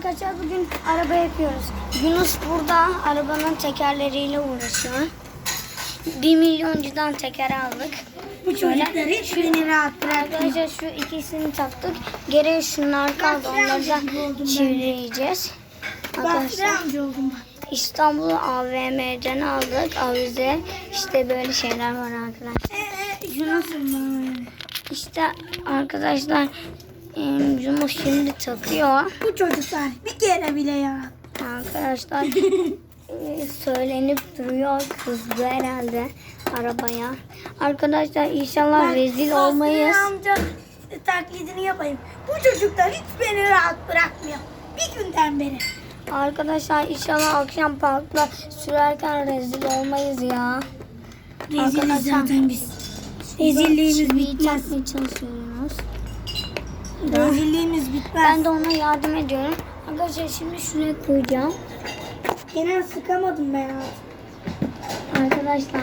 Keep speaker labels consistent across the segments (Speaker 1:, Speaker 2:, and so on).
Speaker 1: Arkadaşlar bugün araba yapıyoruz. Yunus burada arabanın tekerleriyle uğraşıyor. 1 milyoncudan teker aldık.
Speaker 2: Bu çocuklar hiç beni rahat bırakmıyor.
Speaker 1: Arkadaşlar şu ikisini taktık. Geriye şunlar kaldı. Onları da çivileyeceğiz.
Speaker 2: Basri amca oldum ben.
Speaker 1: İstanbul AVM'den aldık. Avize. İşte böyle şeyler var arkadaşlar.
Speaker 2: Yunus'um ben.
Speaker 1: İşte arkadaşlar Yunus şimdi takıyor.
Speaker 2: Bu çocuklar bir kere bile ya.
Speaker 1: Arkadaşlar söylenip duruyor, kızdı herhalde arabaya. Arkadaşlar inşallah rezil olmayız.
Speaker 2: Basri amca taklidini yapayım. Bu çocuklar hiç beni rahat bırakmıyor. Bir günden beri.
Speaker 1: Arkadaşlar inşallah akşam parkta sürerken rezil olmayız ya.
Speaker 2: Reziliz
Speaker 1: Arkadaşlar,
Speaker 2: zaten biz. Rezilliğimiz
Speaker 1: çiviyi
Speaker 2: bitmez.
Speaker 1: takmaya çalışıyoruz.
Speaker 2: Rezilliğimiz bitmez.
Speaker 1: Ben de ona yardım ediyorum. Arkadaşlar şimdi şuraya koyacağım.
Speaker 2: Gene sıkamadım ben artık.
Speaker 1: Arkadaşlar.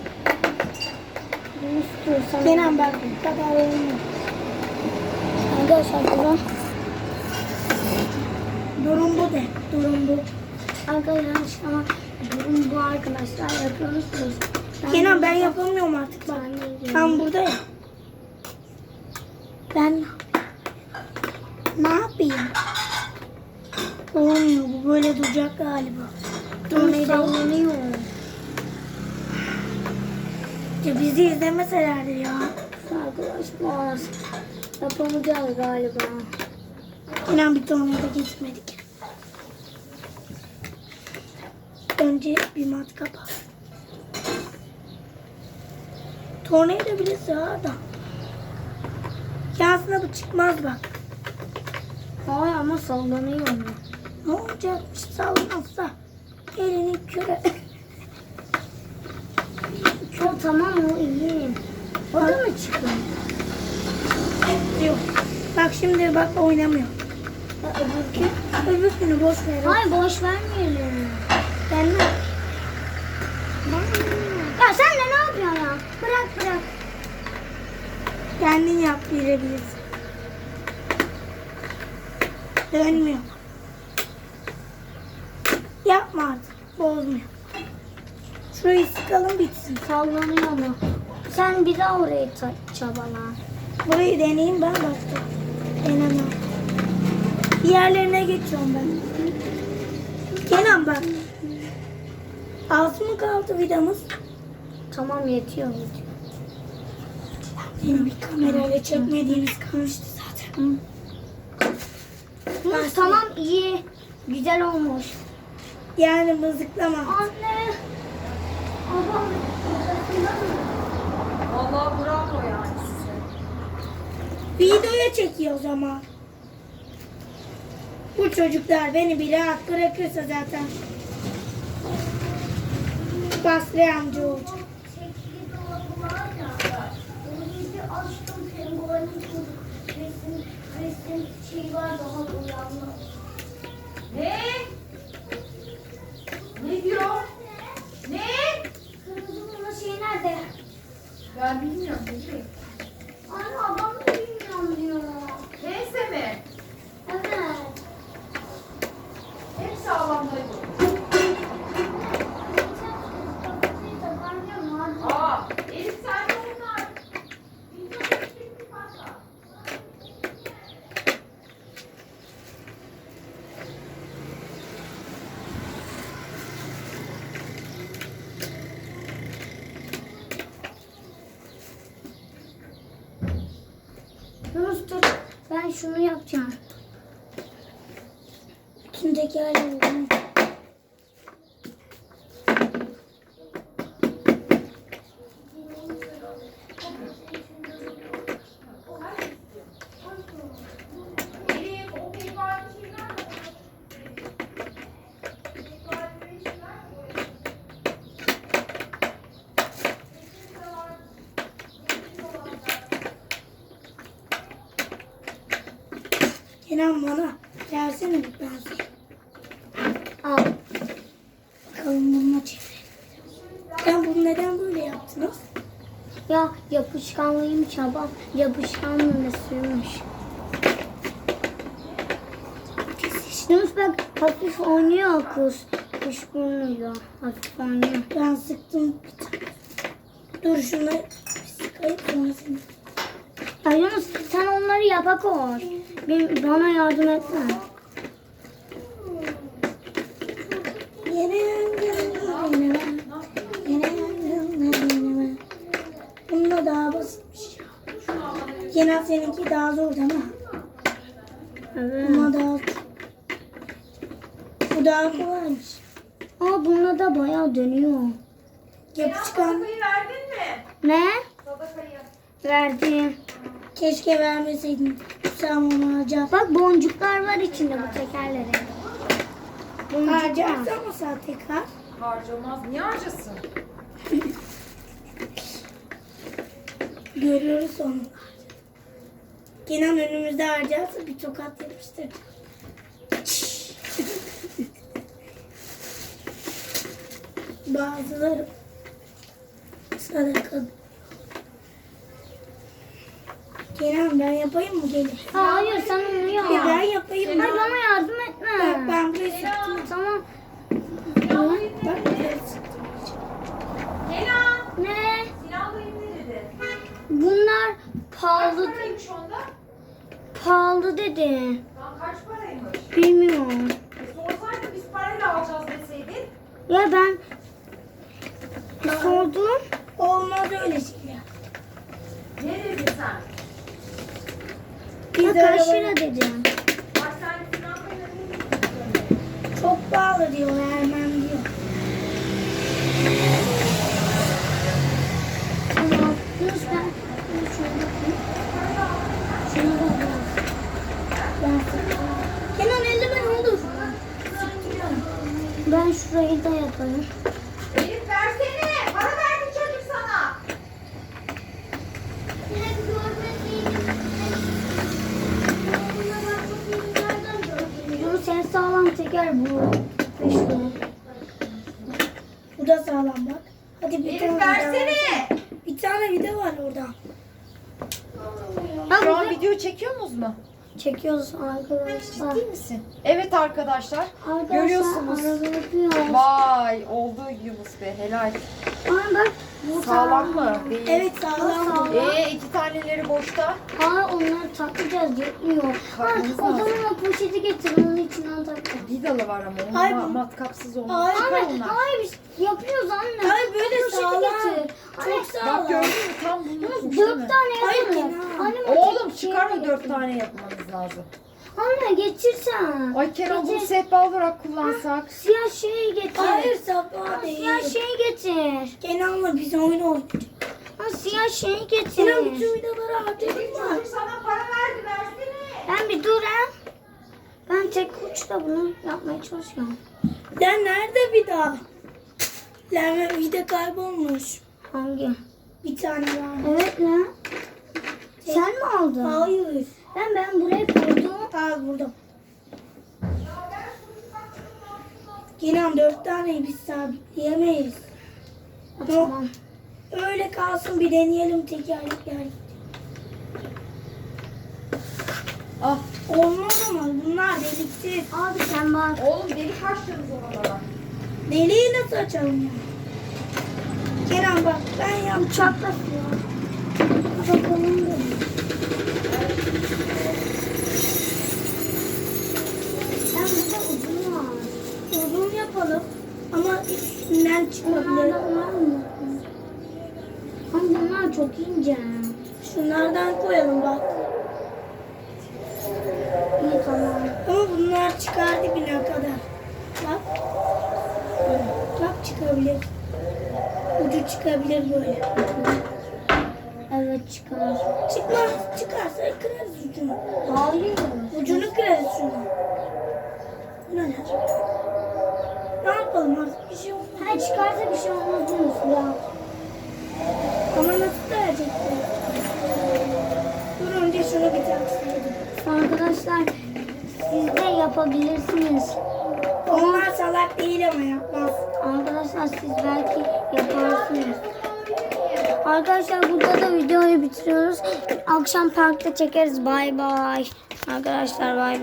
Speaker 1: Bunu tutuyorsam.
Speaker 2: Kenan bak bu kadar olmuyor.
Speaker 1: Arkadaşlar durun.
Speaker 2: Durum bu de. Durum bu.
Speaker 1: Arkadaşlar şu an durum bu arkadaşlar yapıyoruz.
Speaker 2: Kenan ben yapamıyorum artık bak. Tam burada ya. Ben ne yapayım? Olmuyor, bu böyle duracak galiba.
Speaker 1: Sallanıyor.
Speaker 2: Ya bizi izlemeselerdi ya.
Speaker 1: Arkadaşlar yapamayacağız galiba.
Speaker 2: İnan bir tornada gitmedik. Önce bir matkap al. Tornada bile sığar da. Yansına bu çıkmaz bak.
Speaker 1: Hayır ama sallanıyor.
Speaker 2: Ne olacakmış sallanmazsa. Elini küre.
Speaker 1: Çok tamam o iyi. O da mı çıkıyor?
Speaker 2: Yok. Bak şimdi bak oynamıyor.
Speaker 1: Öbürkü?
Speaker 2: Öbürkünü boş ver.
Speaker 1: Hayır boş vermeyelim.
Speaker 2: Ben ne?
Speaker 1: Ya sen de ne yapıyorsun ya? Bırak.
Speaker 2: Kendin yap bilebilirsin. Dönmüyor. Yapma artık. Bozmuyor. Şurayı sıkalım bitsin.
Speaker 1: Sallanıyor mu? Sen bir daha orayı çabala.
Speaker 2: Burayı deneyeyim ben başka. Denemem. Bir yerlerine geçiyorum ben. Kenan bak. Az mı kaldı vidamız?
Speaker 1: Tamam yetiyor.
Speaker 2: Benim bir kamerayla çekmediğimiz kalmıştı zaten.
Speaker 1: Tamam iyi. Güzel olmuş.
Speaker 2: Yani mızıklama.
Speaker 1: Anne. Babam.
Speaker 3: Vallahi bravo yani size.
Speaker 2: Videoya çekiyor o zaman. Bu çocuklar beni bir rahat bırakırsa zaten Basri amca olacak.
Speaker 1: Çekili dolabı var ya. Onu iyice açtım. Penguenin resim şey var daha uyandı.
Speaker 3: Ne? Ne diyor? Ne?
Speaker 1: Kırmızı bunun şey nerede?
Speaker 3: Ben bilmiyorum. Ne?
Speaker 1: Anne babam da bilmiyorum diyor.
Speaker 3: Neyse mi?
Speaker 1: Evet.
Speaker 3: Hep sağlamdaydı. Aa, Elif sen de onlar.
Speaker 1: Yunus dur. Ben şunu yapacağım.
Speaker 2: Kimdeki hali bu?
Speaker 3: Elif, o mimari şeyler mi?
Speaker 2: Kenan bana versene bir pense.
Speaker 1: Al.
Speaker 2: Bakalım bununla çevirelim. Sen bunu neden böyle yaptınız?
Speaker 1: Ya yapışkanlıymış babam. Yapışkanlığını sürmüş.
Speaker 2: Kesin.
Speaker 1: Yunus bak hafif oynuyor kız. Kuş burnuyla hafif oynuyor.
Speaker 2: Ben sıktım bir tane. Dur şunları sıkayım sonra seni.
Speaker 1: Ya Yunus sen onları yapa koy. Bana yardım etme.
Speaker 2: Yine yangın. Yine yangın. Bunda daha basitmiş. Genel seninki daha zor değil mi?
Speaker 1: Evet.
Speaker 2: Buna daha bu daha kolaymış.
Speaker 1: Aa bunda da bayağı dönüyor.
Speaker 2: Yapışkan.
Speaker 3: Sadakayı verdin mi?
Speaker 1: Ne?
Speaker 3: Sadakayı.
Speaker 1: Verdim.
Speaker 2: Keşke vermeseydin. Sen onu harcar.
Speaker 1: Bak boncuklar var içinde bu tekerlerin. Boncuklar.
Speaker 2: Harcarsan mı sen tekrar?
Speaker 3: Harcamaz. Niye harcasın?
Speaker 2: Görüyoruz onu. Kenan önümüzde harcarsa bir tokat yapıştır. Bazıları sadaka. Kenan ben yapayım mı gelin?
Speaker 1: Hayır sen onu yap.
Speaker 2: Ben yapayım mı?
Speaker 1: Hayır bana yardım etme.
Speaker 2: Ben buraya sıktım.
Speaker 1: Tamam.
Speaker 2: Bak buraya sıktım.
Speaker 3: Kenan.
Speaker 1: Ne?
Speaker 3: Sinan dayım ne dedi?
Speaker 1: Bunlar
Speaker 3: Kaç
Speaker 1: pahalı
Speaker 3: paraymış onda?
Speaker 1: pahalı dedi.
Speaker 3: Lan kaç paraymış?
Speaker 1: Bilmiyorum.
Speaker 3: Sorsaydın biz parayla alacağız deseydin.
Speaker 1: Ya ben sordum.
Speaker 2: Olmaz öyle şeyler.
Speaker 3: Ne dedin sen?
Speaker 1: Ya
Speaker 2: Biz
Speaker 1: kaç
Speaker 2: arabaya-
Speaker 1: lira dedim.
Speaker 3: Bak sen Sinan dayına ne dedin?
Speaker 2: Çok pahalı diyor Ermen diyor.
Speaker 1: Tamam. Yunus ben şuna bakayım. Şuna bakayım.
Speaker 2: Ben sıktım. Kenan eldiven olur.
Speaker 1: Ben şurayı da yaparım.
Speaker 3: Elif versene. Para verdi çocuk sana.
Speaker 1: Yunus en sağlam teker bu. Üçlü.
Speaker 2: Bu da sağlam bak. Hadi bir
Speaker 3: Elif
Speaker 2: tane vida var.
Speaker 3: versene.
Speaker 2: Bir tane vida var orada.
Speaker 1: Ya
Speaker 3: Şu an
Speaker 1: bu-
Speaker 3: video çekiyorsunuz mu?
Speaker 1: çekiyoruz arkadaşlar.
Speaker 3: Ciddi misin? Evet arkadaşlar.
Speaker 1: Arkadaşlar
Speaker 3: Görüyorsunuz.
Speaker 1: araba yapıyor.
Speaker 3: Vay oldu Yunus be helal.
Speaker 1: Ama bak bu
Speaker 3: Sağlam mı? Değil.
Speaker 2: Evet sağlam.
Speaker 1: Sağlam.
Speaker 3: İki taneleri boşta.
Speaker 1: Hayır onları takacağız yetmiyor. Ha,
Speaker 3: Takmamız
Speaker 1: o
Speaker 3: lazım.
Speaker 1: zaman o poşeti getir onun içinden takacağız.
Speaker 3: Vidalı var ama onun
Speaker 2: Ay,
Speaker 3: matkapsız olmaz.
Speaker 2: Ay,
Speaker 1: Anne
Speaker 3: onlar.
Speaker 1: hayır biz yapıyoruz anne.
Speaker 2: Hayır, böyle
Speaker 1: O poşeti
Speaker 2: sağlam.
Speaker 1: getir.
Speaker 2: Çok
Speaker 1: Anne,
Speaker 2: sağlam.
Speaker 3: Bak gördün mü tam bunu
Speaker 1: Yunus
Speaker 3: tutmuş değil
Speaker 1: 4
Speaker 3: mi?
Speaker 1: tane
Speaker 2: Hayır,
Speaker 1: yapalım.
Speaker 2: Kenan.
Speaker 1: Anne, o
Speaker 3: Oğlum
Speaker 1: tek şeyi
Speaker 3: çıkarma
Speaker 1: getir.
Speaker 3: 4 tane yapmanız lazım.
Speaker 1: Anne getirsen.
Speaker 3: Ay Kenan bunu
Speaker 1: Getir.
Speaker 3: sehpa olarak kullansak.
Speaker 1: Siyah şeyi getir.
Speaker 2: Hayır sabah
Speaker 1: Siyah
Speaker 2: değil.
Speaker 1: şeyi getir.
Speaker 2: Kenan'la biz oyun oynuyoruz.
Speaker 1: Ha, siyah şeyi getir.
Speaker 2: Kenan bütün vidaları harcadın mı?
Speaker 3: sana para verdi versene.
Speaker 1: Ben bir dur ha. Ben tek uçla bunu yapmaya çalışıyorum.
Speaker 2: Lan nerede vida? Lan vida kaybolmuş.
Speaker 1: Hangi?
Speaker 2: Bir tane var.
Speaker 1: Evet lan. Sen mi aldın?
Speaker 2: Hayır.
Speaker 1: Ben buraya koydum.
Speaker 2: Al burada. Kenan 4 taneyi biz sabitleyemeyiz.
Speaker 1: Tamam.
Speaker 2: Öyle kalsın bir deneyelim tekerlekler.
Speaker 3: Ah
Speaker 2: Olmaz ama bunlar deliksiz.
Speaker 1: Abi sen bak.
Speaker 3: oğlum delik açtınız oralara.
Speaker 2: Deliği nasıl açalım ya? Kenan bak ben yapacağım.
Speaker 1: Uçakla siyah. Bakalım dedim. Ben burada uzun var.
Speaker 2: Uzun yapalım. Ama üstünden çıkabilir.
Speaker 1: Bunlardan var mı? Ama bunlar çok ince.
Speaker 2: Şunlardan koyalım bak.
Speaker 1: İyi tamam.
Speaker 2: Ama bunlar çıkar dibine kadar. Bak. Bak çıkabilir. Ucu çıkabilir böyle.
Speaker 1: Evet çıkar.
Speaker 2: Çıkmaz. Çıkarsa kırarız ucunu.
Speaker 1: Hayır.
Speaker 2: Ucunu kırarız şunu. Bu neler? Ne yapalım artık bir şey olmaz.
Speaker 1: Ha çıkarsa bir şey olmaz değil mi? Ya.
Speaker 2: Ama nasıl verecekler? Dur önce şunu bir taksaydım.
Speaker 1: Arkadaşlar siz de yapabilirsiniz.
Speaker 2: Onlar salak değil ama yapmaz.
Speaker 1: Arkadaşlar siz belki yaparsınız. Arkadaşlar burada da videoyu bitiriyoruz. Akşam parkta çekeriz. Bay bay. Arkadaşlar bay bay.